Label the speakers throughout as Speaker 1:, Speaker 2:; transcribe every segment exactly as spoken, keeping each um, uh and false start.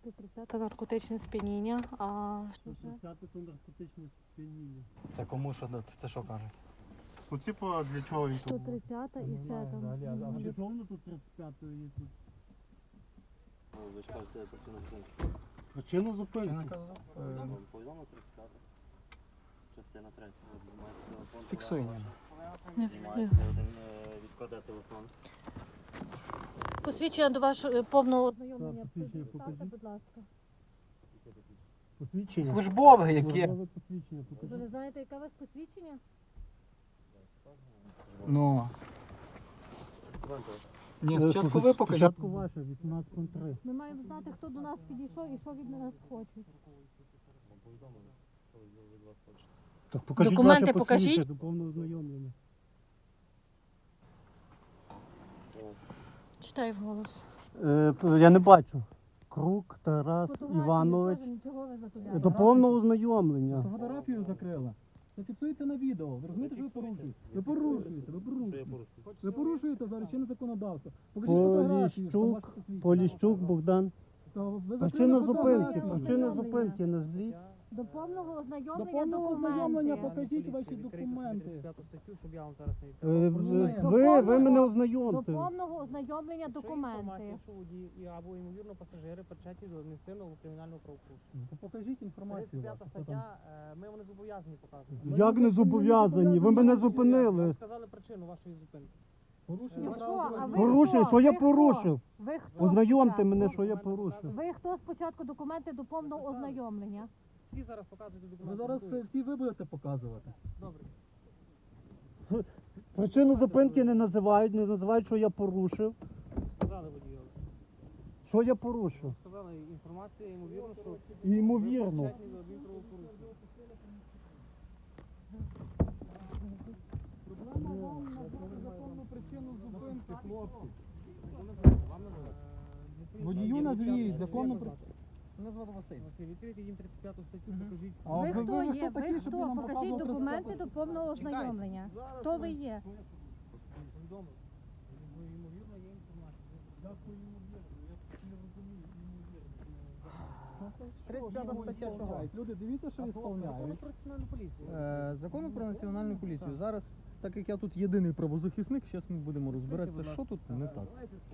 Speaker 1: сто тридцять наркотичне сп'яніння, а що
Speaker 2: сто
Speaker 1: ще?
Speaker 2: тридцять це наркотичне сп'яніння.
Speaker 3: Це кому що, це що каже?
Speaker 2: Ну, типу, для чого він
Speaker 1: сто
Speaker 2: тут?
Speaker 1: тридцять і
Speaker 2: Не
Speaker 1: ще
Speaker 2: знаю
Speaker 1: там.
Speaker 2: взагалі, а- А
Speaker 1: ну,
Speaker 2: для чого воно тут тридцять п'ятою є тут?
Speaker 4: Ви ж кажете, причина зупинки.
Speaker 2: Причина
Speaker 3: Чи
Speaker 2: зупинки.
Speaker 3: наказав?
Speaker 4: Вам повідомо тридцять п'ята. Частина третя. Ви маєте телефон.
Speaker 3: Фіксуй
Speaker 4: телефон
Speaker 3: мене.
Speaker 4: ваш.
Speaker 1: Не
Speaker 4: Знімаєте один, е, відкладе телефон.
Speaker 1: Посвідчення до вашого повного ознайомлення.
Speaker 2: Так, посвідчення
Speaker 1: Представте,
Speaker 2: покажіть.
Speaker 1: будь ласка.
Speaker 2: Посвідчення.
Speaker 3: Службове яке?
Speaker 2: Службове посвідчення,
Speaker 1: Ви
Speaker 2: покажи.
Speaker 1: не знаєте, яке у вас посвідчення?
Speaker 3: Ну. Ні,
Speaker 2: Е,
Speaker 3: спочатку
Speaker 2: слухайте,
Speaker 3: ви покажіть.
Speaker 2: Спочатку ваше, вісімнадцять три.
Speaker 1: Ми маємо знати, хто до нас підійшов і що від нас хочуть.
Speaker 2: Так покажіть
Speaker 1: Документи
Speaker 2: ваше
Speaker 1: покажіть.
Speaker 2: посвідчення до повного ознайомлення.
Speaker 1: Читай вголос.
Speaker 2: Е, п- я не бачу. Крук Тарас
Speaker 1: Фотографії
Speaker 2: Іванович.
Speaker 1: теж нічого ви
Speaker 2: Е,
Speaker 1: затуляєте.
Speaker 2: До повного ознайомлення.
Speaker 5: Фотографію закрила. Це фіксується на відео. Ви розумієте, що ви порушуєте? Ви порушуєте, ви порушуєте. Ви порушуєте зараз чинне законодавство. Покажіть фотографію, що ваше
Speaker 2: Поліщук,
Speaker 5: посвідчення.
Speaker 2: Поліщук Богдан.
Speaker 5: То ви
Speaker 2: Причина
Speaker 5: закрили
Speaker 2: зупинки,
Speaker 5: фотографію.
Speaker 2: причина зупинки назвіть.
Speaker 1: До повного
Speaker 5: До
Speaker 1: ознайомлення
Speaker 5: повного ознайомлення
Speaker 1: документи.
Speaker 5: покажіть ваші документи.
Speaker 2: Е, в-
Speaker 5: До
Speaker 2: Ви, ви мене
Speaker 1: До
Speaker 2: ознайомте.
Speaker 1: повного ознайомлення
Speaker 6: Інформація,
Speaker 1: документи.
Speaker 6: що водії і або ймовірно пасажири причетні до адміністративного кримінального правопорушення.
Speaker 5: Ну, Покажіть інформацію.
Speaker 6: тридцять п'ята
Speaker 5: вашу, що там.
Speaker 6: стаття, е, ми вони зобов'язані показувати.
Speaker 2: Як не зобов'язані? Ви мене
Speaker 6: Ви
Speaker 2: зупинили.
Speaker 6: сказали причину вашої зупинки.
Speaker 5: Порушення
Speaker 1: Ну
Speaker 5: права
Speaker 1: що, а
Speaker 5: дорожнього
Speaker 1: ви
Speaker 2: Порушив,
Speaker 1: хто?
Speaker 2: що я
Speaker 1: Ви хто?
Speaker 2: порушив?
Speaker 1: Ви хто?
Speaker 2: Ознайомте
Speaker 1: спочатку?
Speaker 2: мене, що я порушив.
Speaker 1: Ви хто спочатку документи до повного ознайомлення?
Speaker 6: Всі зараз показують
Speaker 5: Ви
Speaker 6: документи.
Speaker 5: зараз
Speaker 6: готують.
Speaker 5: е, всі ви будете показувати.
Speaker 6: Добре.
Speaker 2: Причину зупинки не називають, не називають, що я порушив.
Speaker 6: Сказали водію.
Speaker 2: Що я порушив?
Speaker 6: Сказали інформація, ймовірно, що
Speaker 2: І ймовірно.
Speaker 6: ви причетні до адмінправопорушення.
Speaker 5: Проблема вам назвати законну причину зупинки, хлопці. Водію назвіть законну причину. Мене звати Василь.
Speaker 6: Василь, відкрийте їм тридцять п'яту статтю,
Speaker 5: Мгм.
Speaker 6: покажіть.
Speaker 5: А
Speaker 1: Ви
Speaker 5: ви-
Speaker 1: хто
Speaker 5: ви
Speaker 1: є?
Speaker 5: хто
Speaker 1: Ви
Speaker 5: такі, щоб ви
Speaker 1: хто?
Speaker 5: нам
Speaker 1: Покажіть
Speaker 5: показували
Speaker 1: документи
Speaker 5: тридцять
Speaker 1: до повного ознайомлення. Хто ви є?
Speaker 6: Повідомили. Бо, ймовірно, є інформація.
Speaker 5: тридцять п'ята стаття чого? Люди, дивіться, що
Speaker 6: Закону
Speaker 5: ісполняють.
Speaker 6: про національну поліцію.
Speaker 5: Е, Закону про національну поліцію. Зараз, так як я тут єдиний правозахисник, зараз ми будемо розбиратися, що тут не так.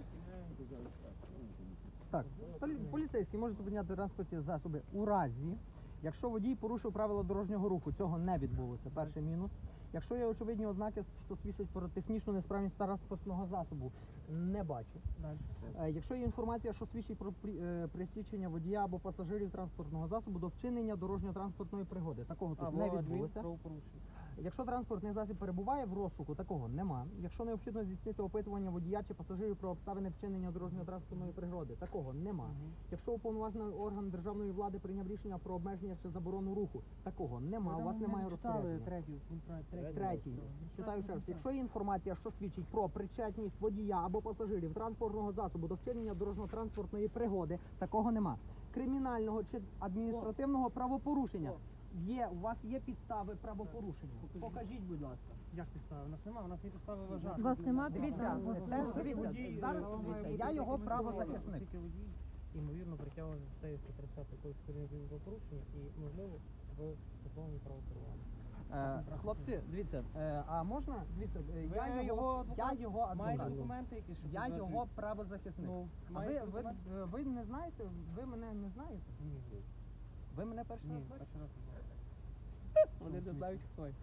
Speaker 5: Так, полі- поліцейський може зупиняти транспортні засоби у разі, якщо водій порушив правила дорожнього руху, цього не відбулося, перший мінус. Якщо є очевидні ознаки, що свідчать про технічну несправність транспортного засобу, не бачу. Е, Якщо є інформація, що свідчить про прі- е, присічення водія або пасажирів транспортного засобу до вчинення дорожньо-транспортної пригоди, такого тут не відбулося. Якщо транспортний засіб перебуває в розшуку, такого нема. Якщо необхідно здійснити опитування водія чи пасажирів про обставини вчинення дорожньо-транспортної пригоди, такого нема. Якщо уповноважений орган державної влади прийняв рішення про обмеження чи заборону руху, такого нема. У вас немає розпорядження. Третій. Читаю ще раз. Якщо є інформація, що свідчить про причетність водія або пасажирів транспортного засобу до вчинення дорожньо-транспортної пригоди, такого нема. Кримінального чи адміністративного правопорушення. Є, у вас є підстави правопорушення. Покажіть, будь ласка.
Speaker 6: Як підстави? У нас немає, у нас є підстави вважати.
Speaker 1: У вас нема
Speaker 5: Дивіться,
Speaker 1: підстав?
Speaker 5: те, дивіться, зараз дивіться, я його правозахисник.
Speaker 6: Оскільки водій, ймовірно, притягував за статтею сто тридцять якоїсь кримінального порушення і, можливо, в законному правопорушенні.
Speaker 5: Е, хлопці, дивіться, е, а можна, дивіться, е,
Speaker 6: Ви
Speaker 5: я
Speaker 6: його
Speaker 5: його, я
Speaker 6: адвокат?
Speaker 5: його
Speaker 6: Маєте
Speaker 5: адвокат.
Speaker 6: документи якісь, що
Speaker 5: Я
Speaker 6: підтверджують?
Speaker 5: його правозахисник.
Speaker 6: Ну,
Speaker 5: А ви,
Speaker 6: маєте
Speaker 5: ви,
Speaker 6: документи?
Speaker 5: е, ви не знаєте, ви мене не знаєте?
Speaker 6: Ні.
Speaker 5: Ви мене перший
Speaker 6: Ні,
Speaker 5: раз бачите?
Speaker 6: перший раз не знаю.
Speaker 5: Вони не знають, хто я.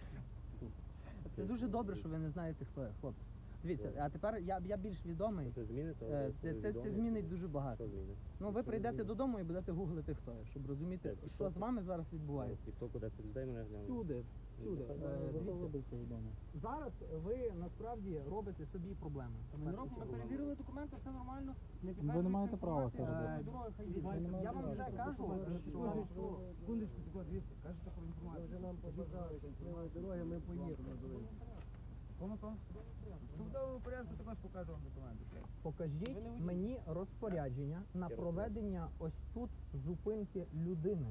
Speaker 5: Це дуже добре, що ви не знаєте, хто я, хлопці. Дивіться, а тепер я, я більш відомий.
Speaker 4: Це змінить?
Speaker 5: Е, Це, це, це змінить дуже багато.
Speaker 4: Що змінить?
Speaker 5: Ну, ви прийдете додому і будете гуглити, хто я, щоб розуміти,
Speaker 4: Де,
Speaker 5: що з вами зараз відбувається.
Speaker 4: Тіктоку десять людей мене глянули.
Speaker 5: Всюди, всюди.
Speaker 4: Ну,
Speaker 5: Е,
Speaker 4: так,
Speaker 5: дивіться, зараз ви насправді робите собі проблеми. в
Speaker 6: Ми
Speaker 5: першу
Speaker 6: робимо, ми
Speaker 5: чергу.
Speaker 6: перевірили документи, все нормально. Не
Speaker 5: Ви не маєте права
Speaker 6: інформація,
Speaker 5: це
Speaker 6: е,
Speaker 5: робити.
Speaker 6: дороги хай
Speaker 5: Дивіться,
Speaker 6: їдуть.
Speaker 5: я вам вже кажу, що...
Speaker 6: Секундочку, дивіться, кажете про інформацію. Вже нам побажали, дороги ми поїдемо. Кому то? В судовому порядку також покажу вам документи.
Speaker 5: Покажіть мені розпорядження на проведення ось тут зупинки людини.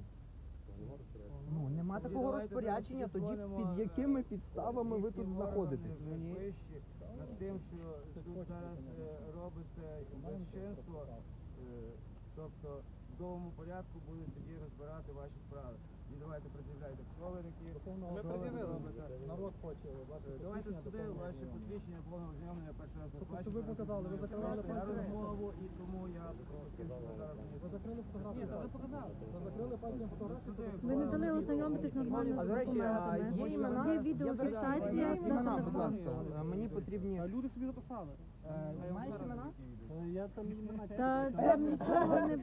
Speaker 5: Ну, нема такого розпорядження, тоді під якими підставами ви тут знаходитесь?
Speaker 7: Вищі над тим, що тут зараз е, робиться безчинство, е, тобто
Speaker 6: судовому порядку будуть тоді розбирати ваші справи. І давайте пред'являйте, хто ви такі.
Speaker 5: Ми
Speaker 6: що ви
Speaker 5: пред'явили.
Speaker 6: робите.
Speaker 5: Народ хоче ваше
Speaker 6: Е, Давайте
Speaker 5: посвідчення
Speaker 6: сюди
Speaker 5: доповнення.
Speaker 6: ваші посвідчення, повне ознайомлення перший раз
Speaker 5: Тобто,
Speaker 6: бачу,
Speaker 5: щоб ви
Speaker 6: зараз
Speaker 5: показали, ви
Speaker 6: розумію.
Speaker 5: закривали
Speaker 6: Я
Speaker 5: пальцем?
Speaker 6: розмову і тому я хотів, щоб ви зараз мені
Speaker 5: Ви закрили фотографію?
Speaker 6: Ні, та ви показали.
Speaker 5: Ви закрили пальцем фотографію?
Speaker 6: Сюди.
Speaker 1: Ви не дали ознайомитись нормально з
Speaker 5: А, до речі, а
Speaker 1: документами.
Speaker 5: є імена?
Speaker 1: Є відеофіксація
Speaker 5: Є
Speaker 1: на
Speaker 5: імена, будь
Speaker 1: телефон.
Speaker 5: ласка. А Мені потрібні...
Speaker 7: Люди собі записали.
Speaker 5: Е, Маєш імена?
Speaker 2: Я там імена.
Speaker 1: Та там нічого не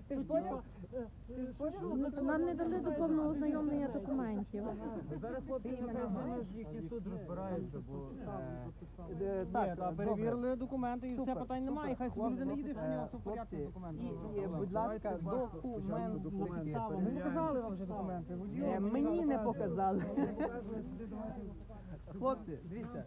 Speaker 1: Ну, нам не дали до повного ознайомлення документів.
Speaker 6: Зараз хлопці нехай з ними їхній суд розбирається, бо
Speaker 5: Е, е, Так,
Speaker 7: Ні, та
Speaker 5: добре.
Speaker 7: перевірили документи і все
Speaker 5: Супер,
Speaker 7: питань немає.
Speaker 5: супер.
Speaker 7: Хай собі людина
Speaker 5: Хлопці,
Speaker 7: їде,
Speaker 5: е,
Speaker 7: що в нього все в порядку з
Speaker 5: хлопці,
Speaker 7: документами.
Speaker 5: І, і, будь ласка, документи.
Speaker 7: Ми показали вам вже документи. водію.
Speaker 5: Е, Мені не показали. Хлопці, дивіться,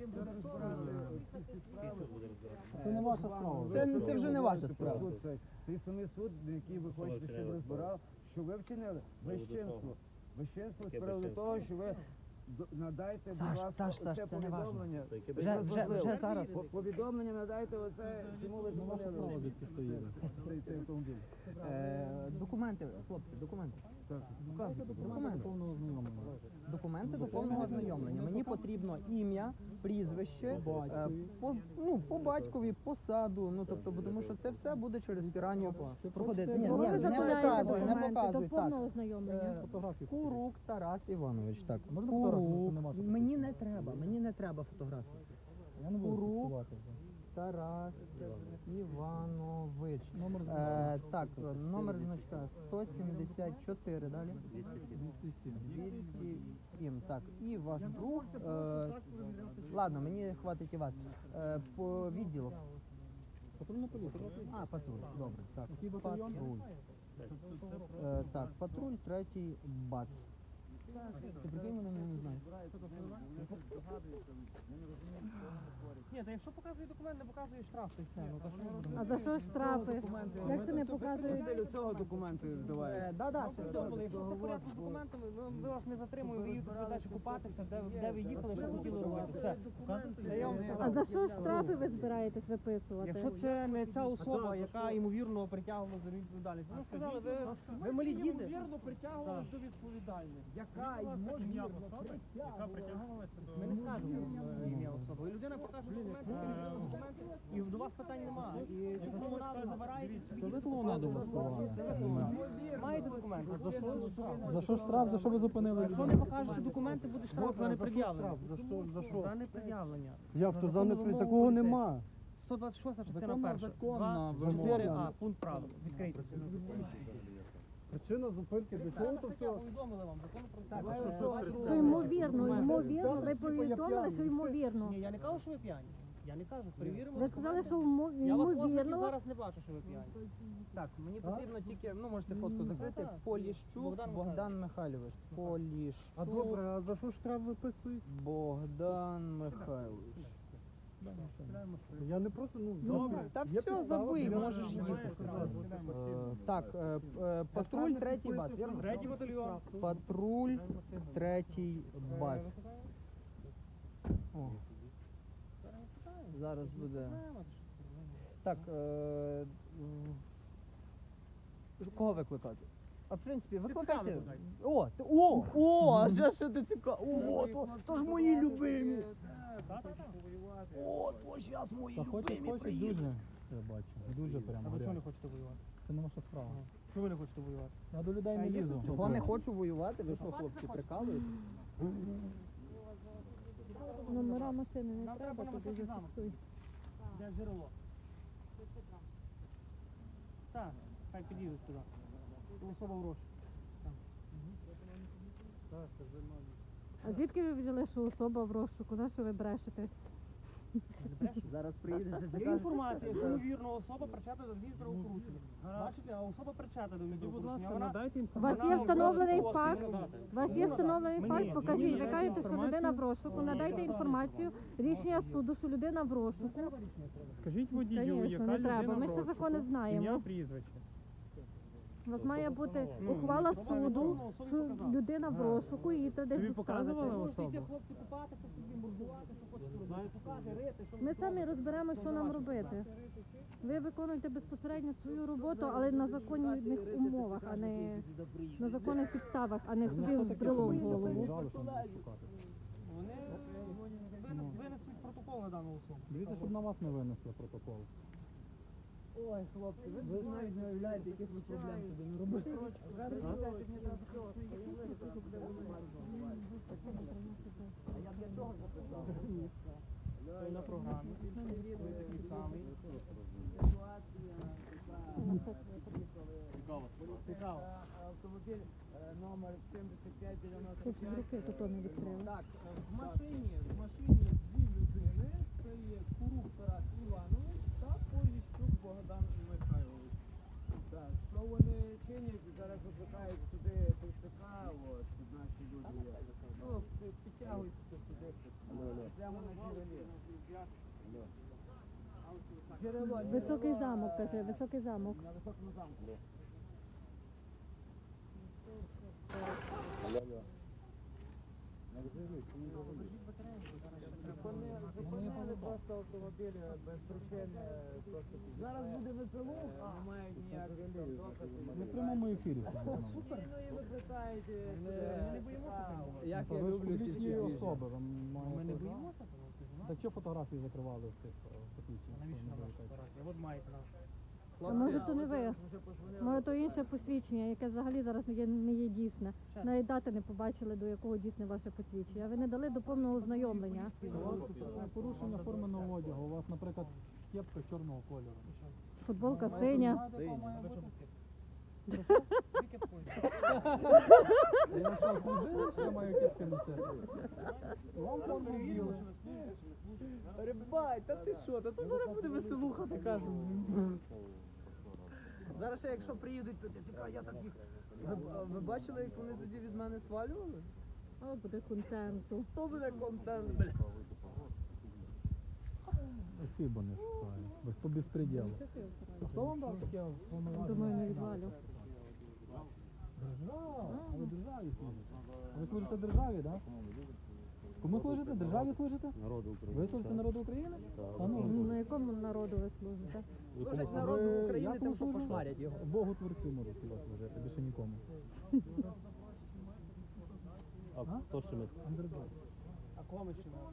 Speaker 2: Це не ваша справа.
Speaker 5: це, це вже не ваша справа.
Speaker 6: Суд цей, цей самий суд, який ви хочете, щоб розбирав, що ви вчинили безчинство. Безчинство з приводу того, що ви д- надайте, будь
Speaker 5: Саш,
Speaker 6: ласка,
Speaker 5: Саш, Саш,
Speaker 6: оце
Speaker 5: це не важно.
Speaker 6: повідомлення. Це
Speaker 5: Вже- вже-
Speaker 6: важливо.
Speaker 5: вже зараз.
Speaker 6: По- Повідомлення надайте оце, чому ви зупинили цей, цей автомобіль.
Speaker 5: Е, Документи, хлопці, документи. Показуйте документи. Документи до повного ознайомлення. Мені потрібно ім'я, прізвище, е, по, ну, по батькові, посаду. Ну тобто, бо тому що це все буде через піранію проходити. Ні,
Speaker 1: Чого
Speaker 5: ні,
Speaker 1: ви
Speaker 5: не
Speaker 1: заповняєте
Speaker 5: показуй, не
Speaker 1: документи до
Speaker 5: показуй. Так.
Speaker 1: повного ознайомлення?
Speaker 5: Е, Курук Тарас Іванович. Так.
Speaker 2: Можна фотографію?
Speaker 5: Курук.
Speaker 2: Нема що
Speaker 5: Мені не треба, мені не треба фотографії.
Speaker 2: Я не буду
Speaker 5: Курук.
Speaker 2: фіксувати.
Speaker 5: Тарас Іванович.
Speaker 2: Номер
Speaker 5: Е, так, номер значка сто сімдесят чотири, далі.
Speaker 2: двісті сім.
Speaker 5: двісті сім, так. І ваш друг. Е, ладно, мені хватить і вас. Е, по відділу.
Speaker 2: Патрульна поліція.
Speaker 5: А, патруль, добре. Так,
Speaker 2: Який батальйон?
Speaker 5: патруль. Е, так, патруль, третій бат. Ти прикинь, мене не знаю.
Speaker 7: Ні, та якщо показує документ, не показує штраф, то й все. Ну, то що ми будемо?
Speaker 1: А за що штрафи? Як це не показують?
Speaker 6: Василю, цього документи давай.
Speaker 5: Е, да, да,
Speaker 7: Ну, добре, якщо все в порядку з документами, ми, ми вас не затримуємо, ви їдете собі далі купатися, де, де ви їхали, що хотіли робити. Все. Це я вам
Speaker 1: А
Speaker 7: сказав.
Speaker 1: за що штрафи ви збираєтесь виписувати?
Speaker 7: Якщо це не ця особа, яка ймовірно притягувала за відповідальність, ви сказали, ви, ви малі діти. Ймовірно притягувалась до відповідальності. Яка ймовірно яка притягувалася до... Ми не скажемо е, ім'я особи. І людина покаже документи, перевірила документи, і до вас питань немає. І якщо вона забирає,
Speaker 2: Це ви клоунаду влаштували.
Speaker 7: маєте документи. За що штраф?
Speaker 2: За що штраф? За що ви зупинили
Speaker 7: Якщо не покажете документи, буде штраф за непред'явлення.
Speaker 2: За що? За що?
Speaker 7: За непред'явлення.
Speaker 2: Як то за
Speaker 7: законну
Speaker 2: не
Speaker 7: вимогу
Speaker 2: такого
Speaker 7: поліцейського.
Speaker 2: нема?
Speaker 7: сто двадцять шоста частина
Speaker 2: Законна,
Speaker 7: перша.
Speaker 2: законна
Speaker 7: два, чотири
Speaker 2: вимога.
Speaker 7: а, пункт правил. Відкрийте.
Speaker 2: Причина зупинки для
Speaker 7: Це
Speaker 2: чого то все?
Speaker 7: повідомили вам, закон про
Speaker 1: Що ймовірно, ймовірно, ви повідомили, що ймовірно.
Speaker 7: Ні, я не кажу, що ви п'яні. Я не кажу, перевіримо.
Speaker 1: Ви сказали, що ймо-
Speaker 7: Я вас власне
Speaker 1: ймовірно.
Speaker 7: зараз не бачу, що ви п'яні.
Speaker 5: Так, мені потрібно тільки, ну можете фотку закрити.
Speaker 7: так.
Speaker 5: Поліщук
Speaker 7: Богдан
Speaker 5: Богдан Михайлович.
Speaker 2: А
Speaker 5: Поліщук
Speaker 2: добре, а за що штраф виписують?
Speaker 5: Богдан Михайлович.
Speaker 2: Я не просто, ну,
Speaker 5: Добре, та
Speaker 2: є
Speaker 5: все,
Speaker 2: підстава,
Speaker 5: забий,
Speaker 2: я
Speaker 5: можеш
Speaker 2: можу
Speaker 5: їхати.
Speaker 2: сказати.
Speaker 5: Е, Так, е, е, патруль третій бат, вірно?
Speaker 7: Третій батальйон.
Speaker 5: Патруль третій бат. О. Зараз буде. Так, е, м, кого викликати? А в принципі, викликайте.
Speaker 7: викликайте.
Speaker 5: О, ти- о, о, а вже що ти цікаво. О, то, то ж мої любимі. О, то зараз мої
Speaker 2: Та хоче,
Speaker 5: любимі
Speaker 2: хоче
Speaker 5: приїдуть.
Speaker 2: дуже, я бачу, дуже прямо.
Speaker 7: А ви чого не
Speaker 2: горять.
Speaker 7: хочете воювати?
Speaker 2: Це не ваша справа.
Speaker 7: Чого ви не хочете воювати?
Speaker 2: Я до людей не
Speaker 7: А є
Speaker 2: лізу.
Speaker 5: Чого не хочу воювати? Ви що, хлопці, прикалуєте?
Speaker 1: Номера машини не
Speaker 7: Нам треба
Speaker 1: треба,
Speaker 7: на
Speaker 1: туди
Speaker 7: високий замок.
Speaker 1: зафіксуй.
Speaker 7: Де джерело? Так, хай підійдуть сюди. Особа в розшуку.
Speaker 1: А звідки ви взяли, що особа в розшуку? На що ви брешете?
Speaker 5: Зараз приїдете.
Speaker 7: Є інформація, що ймовірно особа причетна до адмінправопорушення. Бачите, а особа причетна до адмінправопорушення. Вона
Speaker 1: У вас є встановлений факт? У вас є встановлений факт? Покажіть. Ви кажете, що людина в розшуку. Надайте інформацію, рішення суду, що людина в розшуку.
Speaker 8: Скажіть водію,
Speaker 1: Звісно,
Speaker 8: яка
Speaker 1: не треба.
Speaker 8: людина
Speaker 1: Ми
Speaker 8: в
Speaker 1: ще
Speaker 8: розшуку?
Speaker 1: закони знаємо.
Speaker 8: Ім'я, прізвище.
Speaker 1: У вас має бути
Speaker 8: Ну,
Speaker 1: ухвала
Speaker 7: особа
Speaker 1: суду,
Speaker 7: задоволена, особі
Speaker 1: що
Speaker 7: показали.
Speaker 1: людина в розшуку і її треба
Speaker 8: Тобі
Speaker 1: десь
Speaker 8: показували
Speaker 1: доставити.
Speaker 8: особу?
Speaker 7: Можете йти, хлопці, купатися собі, мордувати, що хочете робити. Шукати, рити, що
Speaker 1: Ми самі розберемо, що нам робити. Ви виконуєте безпосередньо свою роботу, але на законних умовах, а не на законних підставах, а не собі вбрело в голову.
Speaker 7: Вони винес- винесуть протокол на дану особу.
Speaker 2: Дивіться, щоб на вас не винесли протокол.
Speaker 5: Ой, хлопці, ви ж навіть не уявляєте, яких ви проблем собі не робите. А я для чого записав?
Speaker 7: Той на програмі. Той такий самий.
Speaker 4: Цікаво.
Speaker 7: Цікаво.
Speaker 6: Автомобіль е, номер сімдесят п'ять дев'яносто
Speaker 1: Щось в руки тут не відкрили.
Speaker 6: Так, е, в машині, в машині дві людини. Це є Курук Тарас Іванович та Поліщук Богдан Михайлович. Так, що вони чинять? Зараз викликають сюди ТЦК, от, тут наші люди є. Ну, пі- підтягуються сюди. Прямо на джерелі. Джерело.
Speaker 1: Високий замок, каже, високий замок.
Speaker 6: На високому замку. Вони зупинили просто автомобіль без причини. Просто зараз буде ВПЛУ, не мають ніяких там доказів.
Speaker 2: Ми в прямому ефірі.
Speaker 6: Супер. Ну і викликають. Ми не боїмося.
Speaker 5: Як я
Speaker 2: Ви ж
Speaker 5: люблю ці
Speaker 2: публічні
Speaker 5: всі
Speaker 2: особи. Ви
Speaker 7: Ми не
Speaker 2: маєте...
Speaker 7: боїмося того? Ти ж
Speaker 2: Так що фотографії закривали в тих е,
Speaker 7: А
Speaker 2: посвідченнях?
Speaker 7: навіщо нам
Speaker 2: що
Speaker 7: наша
Speaker 2: вони
Speaker 7: фотографія? От маєте нашу.
Speaker 1: А може то не ви? Може то інше посвідчення, яке взагалі зараз не є, не є дійсне. Навіть дати не побачили, до якого дійсне ваше посвідчення. Ви не дали до повного ознайомлення.
Speaker 2: У вас е, порушення форменого одягу. У вас, наприклад, кепка чорного кольору.
Speaker 1: Футболка синя.
Speaker 7: Скільки такої?
Speaker 2: Я що, служив, що я маю кепки носити? Вам форму вділи.
Speaker 5: Рибай, та ти що? Та це зараз буде веселуха така ж. Зараз ще якщо приїдуть, то цікаво, я так їх. Ви, а ви бачили, як вони тоді від мене свалювали?
Speaker 1: О, буде контенту.
Speaker 5: То буде контент, бля.
Speaker 2: Спасибо, не шукаю. Без по безпреділу. А хто вам дав таке повноваження?
Speaker 1: Думаю, не відвалю.
Speaker 2: Держава. А ви державі служите? А ви служите державі, так? Кому служите? Державі служите?
Speaker 4: Народу України.
Speaker 2: Ви служите народу України? Та ну,
Speaker 1: На якому народу ви служите?
Speaker 5: Служать
Speaker 2: а
Speaker 5: народу
Speaker 2: ви
Speaker 5: України,
Speaker 2: як
Speaker 5: тим,
Speaker 2: ви
Speaker 5: що
Speaker 2: служите?
Speaker 5: пошмарять його.
Speaker 2: Богу творцю можуть хіба служити, більше нікому.
Speaker 4: А хто ще ми?
Speaker 2: Андердог.
Speaker 7: А кого ми щемили?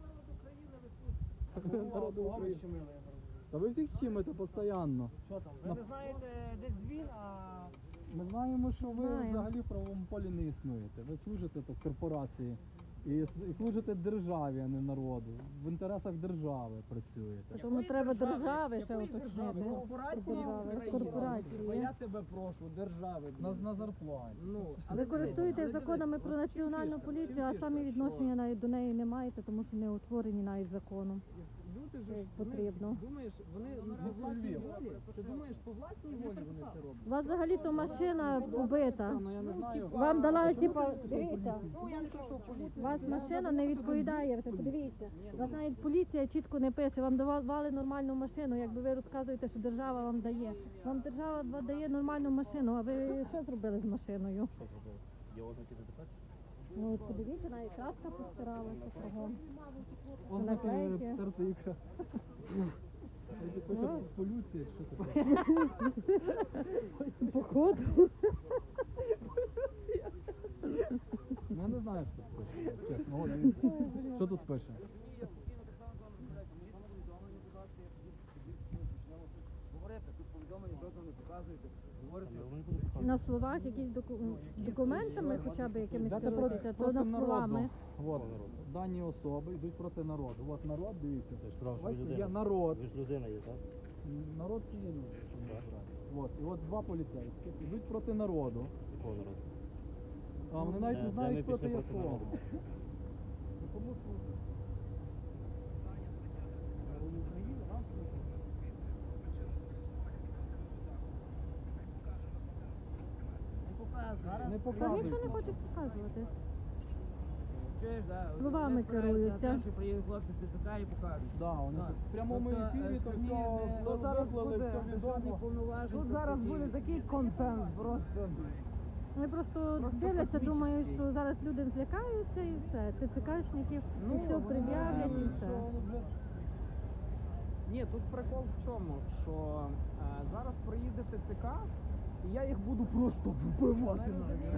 Speaker 2: Народу
Speaker 7: Кого ми
Speaker 2: України.
Speaker 7: щемили, я не розумію.
Speaker 2: Та ви всіх щимите постійно.
Speaker 7: Що там? Ви не знаєте, де дзвін, а
Speaker 2: Ми знаємо, що ви
Speaker 1: Знаємо.
Speaker 2: взагалі в правовому полі не існуєте. Ви служите так корпорації і, с- і служите державі, а не народу. В інтересах держави працюєте.
Speaker 1: Тому треба держави ще
Speaker 5: Якої
Speaker 1: уточнити.
Speaker 5: держави? Корпорації
Speaker 1: Держави,
Speaker 5: України.
Speaker 1: корпорації.
Speaker 5: Бо я тебе прошу, держави.
Speaker 2: На,
Speaker 5: блін.
Speaker 2: на зарплаті.
Speaker 5: Ну,
Speaker 1: Ви
Speaker 5: але
Speaker 1: користуєтесь
Speaker 5: дивись, але
Speaker 1: законами
Speaker 5: дивись,
Speaker 1: про
Speaker 5: от чим
Speaker 1: національну
Speaker 5: фішка?
Speaker 1: поліцію,
Speaker 5: Чим
Speaker 1: а
Speaker 5: фішка?
Speaker 1: самі
Speaker 5: Що
Speaker 1: відношення навіть до неї не маєте, тому що не утворені навіть законом.
Speaker 5: Люди ж
Speaker 1: Як
Speaker 5: вони,
Speaker 1: потрібно.
Speaker 5: думаєш, вони по власній волі, ти думаєш, по власній волі вони це роблять?
Speaker 1: У вас взагалі-то машина побита.
Speaker 2: Ну я не знаю.
Speaker 1: Вам дала, типа, дивіться,
Speaker 5: Ну, я не прийшов
Speaker 1: у
Speaker 5: поліцію.
Speaker 1: вас машина не відповідає, ви подивіться. У вас навіть поліція чітко не пише, вам давали нормальну машину, якби ви розказуєте, що держава вам дає. Вам держава дає нормальну машину, а ви що зробили з машиною?
Speaker 4: Що зробили? Є ознаки записати?
Speaker 1: Ну от подивіться, навіть краска постиралася кругом.
Speaker 2: Ознаки
Speaker 1: Наклейки.
Speaker 2: обстерти ікра. Це пише
Speaker 1: Ну.
Speaker 2: полюція, чи що таке?
Speaker 1: Походу.
Speaker 2: Ну, я не знаю, що тут пише, чесно. О, дивіться. Що тут пише?
Speaker 6: Говорите, тут повідомлення жодного не показуєте. Говорите.
Speaker 1: На словах якісь доку- документами хоча б якимись
Speaker 2: Йдете
Speaker 1: керуєтеся, то
Speaker 2: проти
Speaker 1: на
Speaker 2: народу.
Speaker 1: словами.
Speaker 2: От, дані особи йдуть проти народу. От народ, дивіться.
Speaker 4: Ти ж сказав, що ви
Speaker 2: Бачите,
Speaker 4: людина.
Speaker 2: є народ.
Speaker 4: Ви ж людина є, так?
Speaker 2: Народ це є люди. що ми збираємо. От, і от два поліцейських йдуть проти народу.
Speaker 4: Якого народу?
Speaker 2: А вони навіть
Speaker 4: Де-
Speaker 2: не
Speaker 4: де
Speaker 2: знають
Speaker 4: ми
Speaker 2: проти
Speaker 4: пішли проти
Speaker 2: якого.
Speaker 4: народу?
Speaker 2: Ну, кому служать? Не
Speaker 1: Та
Speaker 2: показують.
Speaker 1: нічого не
Speaker 2: нам.
Speaker 1: хочуть показувати.
Speaker 6: Чуєш, да? от
Speaker 1: Словами
Speaker 6: вони спираються
Speaker 1: керуються.
Speaker 6: на те, що приїдуть хлопці з ТЦК і покажуть.
Speaker 2: Да, вони
Speaker 6: Так.
Speaker 2: тут в прямому
Speaker 6: Тобто,
Speaker 2: ефірі
Speaker 6: е,
Speaker 2: то
Speaker 6: самі
Speaker 2: все
Speaker 6: не-
Speaker 2: то
Speaker 5: зараз
Speaker 2: виклали,
Speaker 5: буде
Speaker 2: все
Speaker 6: Державних
Speaker 2: відомо.
Speaker 6: повноважень.
Speaker 5: Тут
Speaker 6: тобто
Speaker 5: зараз
Speaker 6: ті-
Speaker 5: буде такий контент просто.
Speaker 1: Вони просто,
Speaker 5: Просто
Speaker 1: дивляться, думають,
Speaker 5: космічний.
Speaker 1: що зараз люди злякаються і все. ТЦКшників,
Speaker 5: Ну,
Speaker 1: і все
Speaker 5: вони
Speaker 1: пред'являть і
Speaker 2: Думаю,
Speaker 1: все.
Speaker 2: що вже
Speaker 5: Ні, тут прикол в чому, що е, зараз приїде ТЦК, і я їх буду просто вбивати.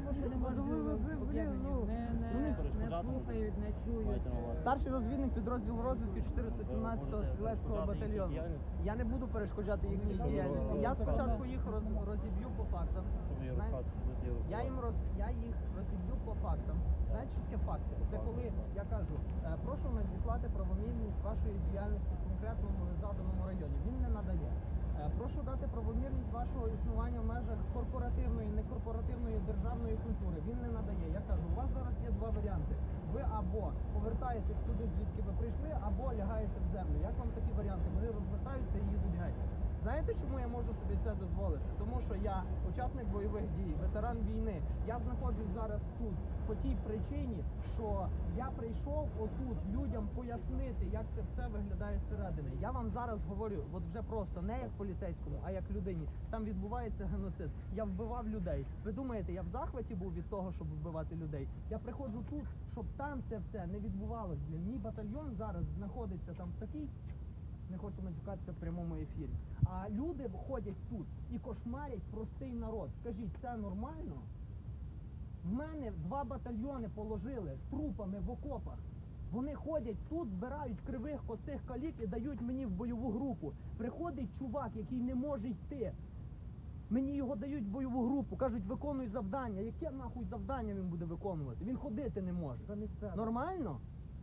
Speaker 5: Старший розвідник підрозділу розвідки чотириста сімнадцятого стрілецького батальйону. Я не буду перешкоджати їхній діяльності. Я спочатку їх роз, розіб'ю по фактам. Знаєте, я їм роз, я їх розіб'ю по фактам. Знаєте, що таке факти? Це коли я кажу, е, прошу надіслати правомірність вашої діяльності в конкретному заданому районі. Він не надає. Е, Прошу дати правомірність вашого існування в межах корпоративної, некорпоративної державної культури. Він не надає. Я кажу, у вас зараз є два варіанти. Ви або повертаєтесь туди, звідки ви прийшли, або лягаєте в землю. Як вам такі варіанти? Вони розвертаються і їдуть геть. Знаєте, чому я можу собі це дозволити? Тому що я учасник бойових дій, ветеран війни. Я знаходжусь зараз тут по тій причині, що я прийшов отут людям пояснити, як це все виглядає зсередини. Я вам зараз говорю, от вже просто не як поліцейському, а як людині. Там відбувається геноцид. Я вбивав людей. Ви думаєте, я в захваті був від того, щоб вбивати людей? Я приходжу тут, щоб там це все не відбувалося. Мій батальйон зараз знаходиться там в такій. Не хочу матюкатися в прямому ефірі. А люди ходять тут і кошмарять простий народ. Скажіть, це нормально? В мене два батальйони положили трупами в окопах. Вони ходять тут, збирають кривих, косих калік і дають мені в бойову групу. Приходить чувак, який не може йти. Мені його дають в бойову групу, кажуть, виконуй завдання. Яке нахуй завдання він буде виконувати? Він ходити не може. Нормально?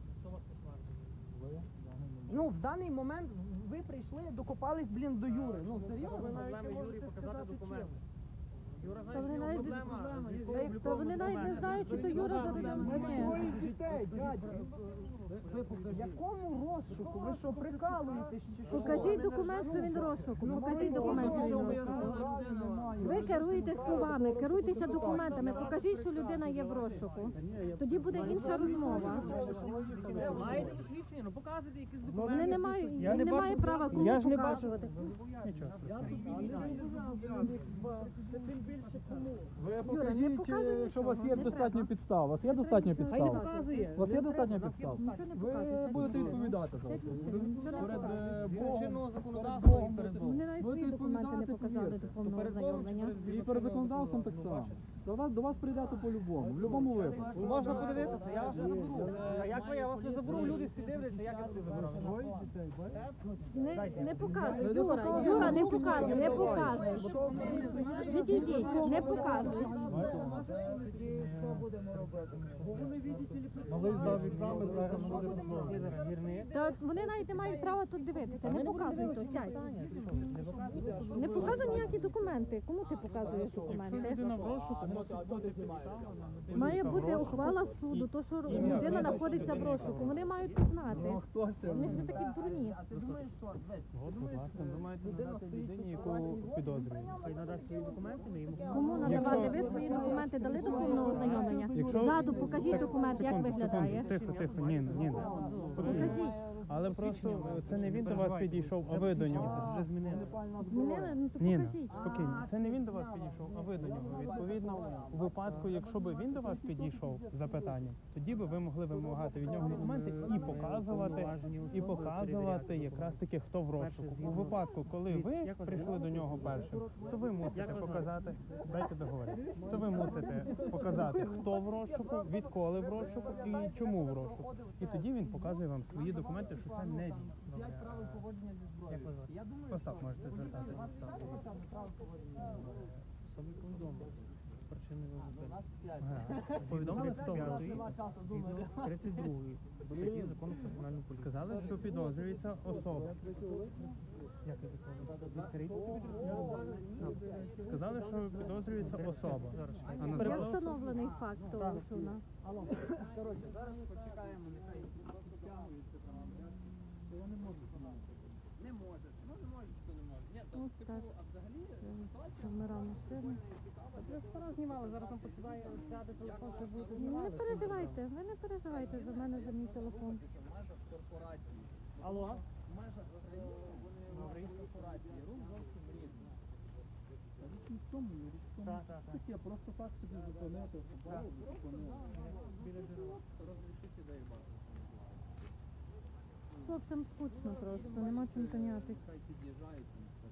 Speaker 5: Ну, в даний момент ви прийшли, докопались, блін, до Юри. Ну, серйозно?
Speaker 7: Юрі показати документи. Юра
Speaker 1: Та вони
Speaker 7: знає,
Speaker 1: навіть,
Speaker 7: що проблема.
Speaker 1: не- та вони навіть не знають, чи то Юра задає.
Speaker 5: Якому розшуку? Ви що, прикалуєтесь чи що?
Speaker 1: Покажіть документ, що він розшуку. Покажіть документ, що він розшуку. Ви керуєтесь словами, керуйтеся документами. Покажіть, що людина є в розшуку. Тоді буде інша розмова.
Speaker 7: Маєте посвідчення? Ну показуйте якісь документи.
Speaker 1: Вони не мають,
Speaker 7: Я
Speaker 1: він
Speaker 7: не
Speaker 1: не має
Speaker 7: бачу-
Speaker 1: права
Speaker 7: я
Speaker 1: кому
Speaker 7: ж не бачу.
Speaker 1: показувати.
Speaker 7: Нічого.
Speaker 2: Ви
Speaker 1: не
Speaker 2: покажіть,
Speaker 1: показуй
Speaker 2: е, що у вас
Speaker 1: нічого,
Speaker 2: є
Speaker 1: не
Speaker 2: достатньо
Speaker 1: треба.
Speaker 2: підстав. У вас є достатньо
Speaker 7: Хай не
Speaker 2: підстав?
Speaker 7: показує.
Speaker 2: У вас є достатньо
Speaker 7: У нас є
Speaker 2: підстав?
Speaker 7: достатньо.
Speaker 2: Ви будете відповідати за це. Перед е, Богом,
Speaker 7: Чинного
Speaker 2: перед
Speaker 7: законодавства
Speaker 2: Богом
Speaker 7: і перед
Speaker 2: будете-
Speaker 7: Богом.
Speaker 1: Вони навіть
Speaker 2: будете
Speaker 1: свої документи не
Speaker 2: відповідати,
Speaker 1: показали
Speaker 2: повірте.
Speaker 1: до повного
Speaker 7: Перед Богом чи
Speaker 1: ознайомлення.
Speaker 7: перед
Speaker 2: І перед законодавством так само. До вас, до вас прийдете по-любому, в будь-якому випадку.
Speaker 7: Можна подивитися, я вас не заберу. А як ви, я вас не заберу, люди всі дивляться, як я туди заберу.
Speaker 1: Не, не показуй,
Speaker 2: Не
Speaker 1: Юра,
Speaker 2: показуй.
Speaker 1: Юра, не показуй, не показуй. Відійдіть, не показуй.
Speaker 8: Малий здав екзамен, зараз буде розмовляти.
Speaker 1: Та вони навіть не мають права тут дивитися. Не показуй то, сядь. Не показуй ніякі документи. Кому ти показуєш документи? Має бути ухвала суду, то що людина знаходиться в розшуку. Вони мають це знати. Вони ж не такі дурні.
Speaker 5: А ти думаєш, що? Десь, ти думаєш, що
Speaker 7: ви маєте
Speaker 5: людина
Speaker 7: надати
Speaker 5: стоїть
Speaker 7: людині,
Speaker 5: тут
Speaker 7: яку
Speaker 5: у власній волі?
Speaker 7: підозрюють. Хай надасть свої документи, ми йому
Speaker 1: Кому надавати? Ви свої документи дали до повного ознайомлення?
Speaker 9: Якщо-
Speaker 1: Ззаду покажіть документ, як виглядає.
Speaker 9: Тихо, тихо, Ніна, Ніна.
Speaker 1: Покажіть.
Speaker 9: Але просто це не він до вас підійшов, а ви до нього.
Speaker 7: вже змінили.
Speaker 1: Змінили? Ну то
Speaker 9: Ніна,
Speaker 1: покажіть.
Speaker 9: спокійно. Це не він до вас підійшов, а ви до нього. Відповідно, у випадку, якщо би він до вас підійшов з запитанням, тоді би ви могли вимагати від нього документи і показувати, і показувати якраз таки, хто в розшуку. У випадку, коли ви прийшли до нього першим, то ви мусите показати, дайте договорити, то ви мусите показати, хто в розшуку, відколи в розшуку і чому в розшуку. І тоді він показує вам свої документи, що це не він.
Speaker 5: П'ять правил поводження зі зброєю. Я думаю,
Speaker 9: Остап,
Speaker 5: що
Speaker 9: можете звертатися.
Speaker 7: Особи повідомлення. Причини
Speaker 5: у
Speaker 7: визначення.
Speaker 5: нас п'ять.
Speaker 9: Ага.
Speaker 7: Повідомлення
Speaker 5: Нема
Speaker 7: цитової,
Speaker 5: часу
Speaker 7: згідно
Speaker 5: думати.
Speaker 7: тридцять другої статті закону про національну поліцію.
Speaker 9: Сказали, що підозрюється особа.
Speaker 7: Як я відповідаю? Відкрийте собі тридцять.
Speaker 9: Сказали, що підозрюється особа. А
Speaker 1: Є
Speaker 9: назвали
Speaker 1: встановлений факт того, що вона.
Speaker 5: Коротше, зараз почекаємо, нехай підтягуються там. Не може. Ну не може, що не може. Ні, то
Speaker 1: Ось
Speaker 5: типу,
Speaker 1: так.
Speaker 5: а взагалі ситуація
Speaker 1: Камера машини.
Speaker 7: Ви зараз знімали, зараз там посідає, сяде телефон, що буде
Speaker 1: Ну, Не переживайте, ви не переживайте за мене, за мій телефон.
Speaker 5: в межах корпорації.
Speaker 7: Алло?
Speaker 5: В межах країни вони в межах корпорації. Рух зовсім різний.
Speaker 2: Річ не в тому, річ в тому.
Speaker 7: Так, так, так.
Speaker 2: Таке, просто так собі зупинити, побачив, зупинив.
Speaker 5: Розрішити дай базу.
Speaker 1: хлопцям скучно просто, нема чим зайнятися.
Speaker 6: Хай під'їжджають.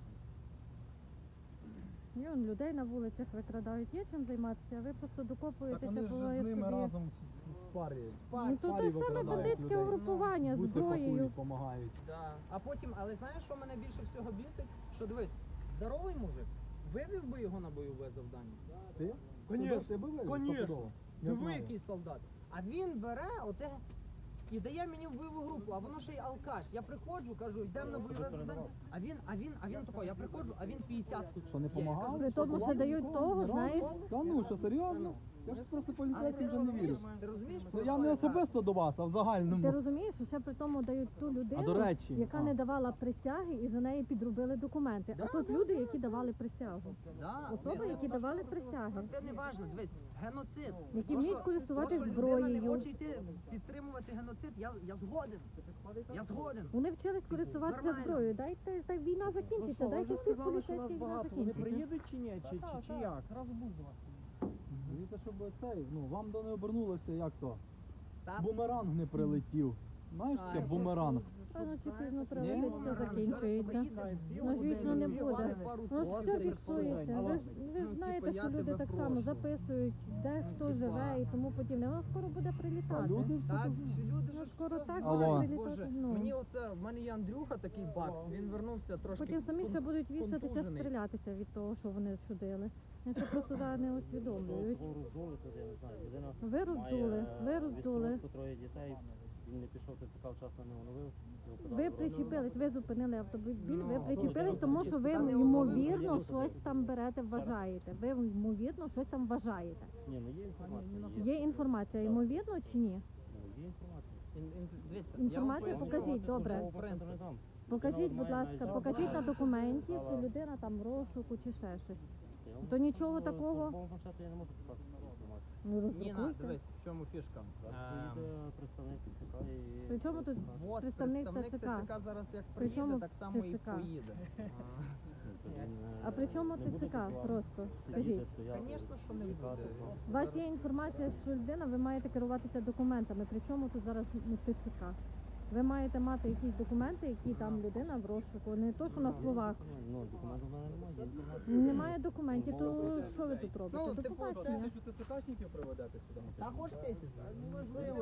Speaker 1: І он людей на вулицях викрадають, є чим займатися, а ви просто
Speaker 2: Так
Speaker 1: докопуєтеся,
Speaker 2: вони ж
Speaker 1: буває
Speaker 2: з ними
Speaker 1: собі.
Speaker 2: разом з- з парі.
Speaker 1: Ну то
Speaker 2: парі
Speaker 1: те саме
Speaker 2: викрадають
Speaker 1: бандитське
Speaker 2: людей.
Speaker 1: угрупування з
Speaker 2: Буси
Speaker 1: зброєю.
Speaker 2: пакують, помагають.
Speaker 5: Да. А потім, але знаєш, що мене більше всього бісить? Що дивись, здоровий мужик, вивів би його на бойове завдання.
Speaker 2: Ти?
Speaker 5: Конечно,
Speaker 2: Ти би вивіз
Speaker 5: конечно.
Speaker 2: стопудово? Я
Speaker 5: Диви,
Speaker 2: знаю.
Speaker 5: який солдат. А він бере оте і дає мені в бойову групу, а воно ще й алкаш. Я приходжу, кажу, йдемо на бойове завдання. А він, а він, а він тако, я приходжу, а він п'ятдесятку.
Speaker 2: Що, не
Speaker 5: є. Я кажу,
Speaker 2: помагав?
Speaker 1: При тому, що дають того, знаєш,
Speaker 2: Та ну, що серйозно? Я ж просто
Speaker 5: Але ти
Speaker 2: поліцейським вже не
Speaker 5: розумієш,
Speaker 2: вірю.
Speaker 5: ти розумієш,
Speaker 2: Це
Speaker 5: про
Speaker 2: я
Speaker 5: що
Speaker 2: не
Speaker 5: кажу?
Speaker 2: особисто до вас, а в загальному.
Speaker 1: ти розумієш, що ще при тому дають ту людину,
Speaker 2: А до речі,
Speaker 1: яка
Speaker 2: а.
Speaker 1: не давала присяги і за неї підробили документи. А тут люди, які давали присягу.
Speaker 5: Да,
Speaker 1: Особи,
Speaker 5: ні,
Speaker 1: які
Speaker 5: ну,
Speaker 1: давали
Speaker 5: то-
Speaker 1: присяги.
Speaker 5: Це не важливо, дивись, геноцид.
Speaker 1: Які
Speaker 5: То,
Speaker 1: вміють
Speaker 5: що-
Speaker 1: користуватись
Speaker 5: то, що людина не
Speaker 1: зброєю.
Speaker 5: хоче йти підтримувати геноцид, я, я згоден. Я згоден.
Speaker 1: Вони вчились користуватися
Speaker 5: Нормально.
Speaker 1: зброєю. Дайте, та війна закінчиться, дайте всіх поліцейських війна
Speaker 7: Вони
Speaker 1: закінчиться.
Speaker 7: приїдуть чи ні? Чи, чи, чи як?
Speaker 2: Дивіться, щоб цей, ну, вам до не обернулося, як то.
Speaker 5: Та-
Speaker 2: Бумеранг не прилетів. Знаєш таке
Speaker 5: Ай,
Speaker 2: бумеранг?
Speaker 1: Рано чи пізно
Speaker 2: Ні?
Speaker 1: прилетить, все закінчується. Ну, звісно, не буде. Ну ж все фіксується. Ви ж, ви ж
Speaker 5: Ну,
Speaker 1: знаєте,
Speaker 5: типу, я
Speaker 1: що люди
Speaker 5: тебе
Speaker 1: так само
Speaker 5: прошу.
Speaker 1: записують, де
Speaker 5: Ну,
Speaker 1: хто
Speaker 5: типа.
Speaker 1: живе і тому подібне. Воно скоро буде
Speaker 2: А
Speaker 1: прилітати.
Speaker 2: люди все
Speaker 5: Так,
Speaker 2: так.
Speaker 5: люди
Speaker 1: Ну,
Speaker 5: ж
Speaker 1: скоро
Speaker 5: все
Speaker 1: так
Speaker 5: знають.
Speaker 2: буде
Speaker 1: прилітати,
Speaker 5: Боже,
Speaker 1: ну.
Speaker 5: мені оце, в мене є Андрюха такий бакс, він вернувся трошки.
Speaker 1: Потім самі ще
Speaker 5: кон-
Speaker 1: будуть вішатися,
Speaker 5: контужений.
Speaker 1: стрілятися від того, що вони чудили. Вони ще просто зараз не усвідомлюють.
Speaker 4: Кого роздули, то я не знаю. Людина
Speaker 1: Ви роздули, ви роздули.
Speaker 4: відпустку, троє дітей, він не пішов, ТЦК вчасно не оновив. його подали
Speaker 1: Ви
Speaker 4: в розшук.
Speaker 1: причепились, ви зупинили автомобіль, ви
Speaker 5: Ну,
Speaker 1: причепились, тому що ви
Speaker 5: Та не
Speaker 1: ймовірно
Speaker 4: оновили.
Speaker 1: щось там берете, вважаєте. Ви ймовірно щось там вважаєте.
Speaker 4: Ні, ну є інформація.
Speaker 1: Є інформація, ймовірно чи ні?
Speaker 4: Ну, є інформація.
Speaker 5: Ін- ін- дивіться,
Speaker 1: Інформацію
Speaker 5: я вам
Speaker 1: покажіть,
Speaker 5: поясню
Speaker 1: добре.
Speaker 5: основний принцип.
Speaker 4: Не дам.
Speaker 1: Покажіть, будь
Speaker 4: Має
Speaker 1: ласка,
Speaker 4: майже-
Speaker 1: покажіть на документі, що людина там в розшуку чи ще щось.
Speaker 4: Я вам
Speaker 1: То нічого
Speaker 4: скажу,
Speaker 1: такого?
Speaker 4: в службовому планшеті я не можу показати інформацію.
Speaker 1: Ну
Speaker 5: Ніна,
Speaker 1: роздрукуйте.
Speaker 5: дивись, в чому фішка.
Speaker 4: Зараз
Speaker 5: Ем,
Speaker 4: приїде представник ТЦК і...
Speaker 1: При чому тут
Speaker 5: Вот,
Speaker 1: представник
Speaker 5: представник
Speaker 1: ТЦК?
Speaker 5: ТЦК зараз як
Speaker 1: При чому
Speaker 5: приїде, так само і
Speaker 1: ТЦК?
Speaker 5: поїде.
Speaker 1: А при чому ТЦК? Просто скажіть.
Speaker 5: Звісно, що не буде.
Speaker 1: У вас є інформація, що людина, ви маєте керуватися документами. При чому тут зараз ну, ТЦК? Ви маєте мати якісь документи, які там людина в розшуку, не то, що на словах.
Speaker 4: Ну, документів в мене немає, є інформація.
Speaker 1: Немає документів, то що ви тут робите?
Speaker 5: Ну,
Speaker 1: До
Speaker 5: типу,
Speaker 1: побачення.
Speaker 2: Тисячу ТЦКшників приведете сюди.
Speaker 5: Та хоч тисяч.
Speaker 2: Можливо,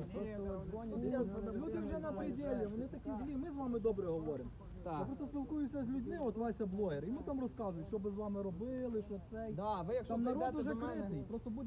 Speaker 2: люди вже на пределі, вони такі злі, ми з вами добре говоримо. Я просто спілкуюся з людьми, от Вася блогер, і ми там розказують, що би з вами робили, що цей.
Speaker 5: Да, ви якщо
Speaker 2: Там народ
Speaker 5: зайдете
Speaker 2: уже
Speaker 5: до мене.
Speaker 2: критий, просто буде